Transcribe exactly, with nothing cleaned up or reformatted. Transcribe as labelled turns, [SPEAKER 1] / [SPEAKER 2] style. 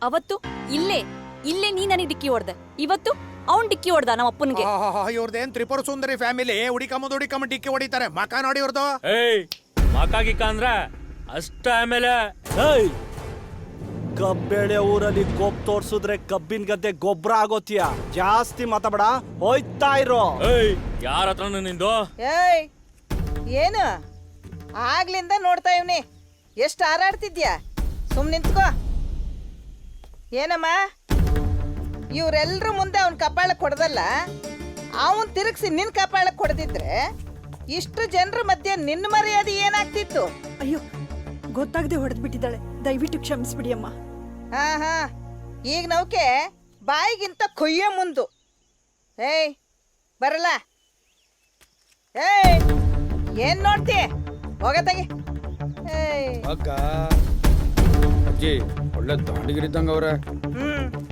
[SPEAKER 1] ಅವತ್ತು ಇಲ್ಲೇ ಇಲ್ಲೇ ನೀ ನನಗೆ ಡಿಕ್ಕಿ ಹೊಡ್ದೆ, ಇವತ್ತು ಅವ್ನ್ ಡಿಕ್ಕಿ ಹೊಡ್ದ ನಮ್ಮ ಅಪ್ಪನ್ಗೆ.
[SPEAKER 2] ಇವ್ರದೇನ್ ತ್ರಿಪುರ ಸುಂದರಿ ಫ್ಯಾಮಿಲಿ, ಹುಡಿಕಮ್ಮ ಹುಡಿಕಮ್ಮ ಡಿಕ್ಕಿ ಹೊಡಿತಾರೆ. ಮಕ ನೋಡಿ ಇವ್ರದು.
[SPEAKER 3] ಏಯ್ ಮಕಾಗಿಕ್ಕ ಅಂದ್ರ ಅಷ್ಟ ಆಮೇಲೆ
[SPEAKER 4] ಏಯ್ ಕಬ್ಬೇಳೆ ಊರಲ್ಲಿ ಗೊಬ್ಬ ತೋರ್ಸುದ್ರೆ ಕಬ್ಬಿನ ಗದ್ದೆ ಗೊಬ್ಬರ ಆಗೋತಿಯ. ಜಾಸ್ತಿ ಮಾತಾಡ, ಹೋಯ್ತಾ ಇರೋ.
[SPEAKER 3] ಏಯ್ ಯಾರ ಹತ್ರನು ನಿಂದು?
[SPEAKER 5] ಏಯ್ ಏನು ಆಗ್ಲಿಂದ ನೋಡ್ತಾ ಇವ್ನಿ, ಎಷ್ಟು ಹಾರಾಡ್ತಿದ್ಯಾ? ಸುಮ್ ನಿಂತ್ಕೋ. ಏನಮ್ಮ ಇವ್ರೆಲ್ರ ಮುಂದೆ ಅವ್ನ ಕಪಾಳಕ್ಕೆ ಹೊಡೆದಲ್ಲ, ಅವನ್ ತಿರುಗಿಸಿ ನಿನ್ ಕಪಾಳಕ್ಕೆ ಹೊಡೆದಿದ್ರೆ ಇಷ್ಟು ಜನರ ಮಧ್ಯೆ ನಿನ್ನ ಮರ್ಯಾದೆ ಏನಾಗ್ತಿತ್ತು?
[SPEAKER 6] ಅಯ್ಯೋ, ಗೊತ್ತಾಗದೆ ಹೊಡೆದ್ ಬಿಟ್ಟಿದ್ದಾಳೆ, ದಯವಿಟ್ಟು ಕ್ಷಮಿಸ್ಬಿಡಿ ಅಮ್ಮ.
[SPEAKER 5] ಹಾ ಹಾ ಈಗ ನೌಕೆ ಬಾಯಿಗಿಂತ ಕೊಯ್ಯೋ ಮುಂದು. ಏಯ್ ಬರಲ್ಲ. ಏಯ್ ಏನ್ ನೋಡ್ತಿ? ಹೋಗತ್ತಾಗಿ. ಏಯ್
[SPEAKER 7] ಅಕ್ಕ ಅಜ್ಜಿ ಒಳ್ಳೆ ದಾಂಡಿಗಿರಿದ್ದಂಗ ಅವ್ರೆ.
[SPEAKER 5] ಹ್ಮ್